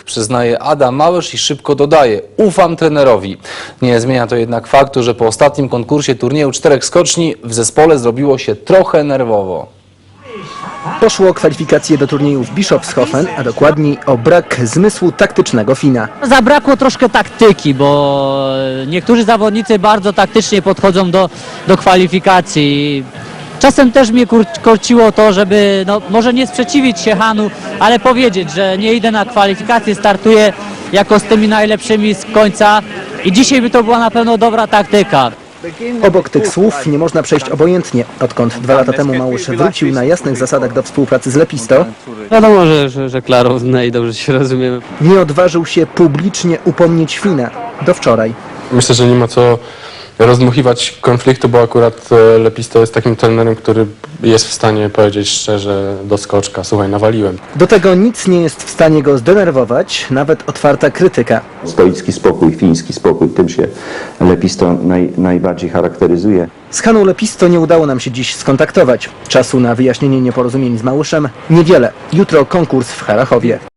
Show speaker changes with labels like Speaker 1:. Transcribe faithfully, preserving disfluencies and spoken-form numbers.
Speaker 1: Przyznaje Adam Małysz i szybko dodaje: ufam trenerowi. Nie zmienia to jednak faktu, że po ostatnim konkursie turnieju czterech skoczni w zespole zrobiło się trochę nerwowo.
Speaker 2: Poszło o kwalifikacje do turnieju w Bischofshofen, a dokładniej o brak zmysłu taktycznego Fina.
Speaker 3: Zabrakło troszkę taktyki, bo niektórzy zawodnicy bardzo taktycznie podchodzą do, do kwalifikacji. Czasem też mnie kur- korciło to, żeby no, może nie sprzeciwić się Hanu, ale powiedzieć, że nie idę na kwalifikacje, startuję jako z tymi najlepszymi z końca i dzisiaj by to była na pewno dobra taktyka.
Speaker 2: Obok tych słów nie można przejść obojętnie. Odkąd dwa lata temu Małysz wrócił na jasnych zasadach do współpracy z Lepisto,
Speaker 4: Wiadomo, że, że, że klarowne i dobrze się rozumiemy.
Speaker 2: nie odważył się publicznie upomnieć Fina. Do wczoraj.
Speaker 5: Myślę, że nie ma co rozdmuchiwać konfliktu, bo akurat e, Lepisto jest takim trenerem, który jest w stanie powiedzieć szczerze do skoczka: słuchaj, nawaliłem.
Speaker 2: Do tego nic nie jest w stanie go zdenerwować, nawet otwarta krytyka.
Speaker 6: Stoicki spokój, fiński spokój, tym się Lepisto naj, najbardziej charakteryzuje.
Speaker 2: Z Haną Lepisto nie udało nam się dziś skontaktować. Czasu na wyjaśnienie nieporozumień z Małyszem niewiele. Jutro konkurs w Harachowie.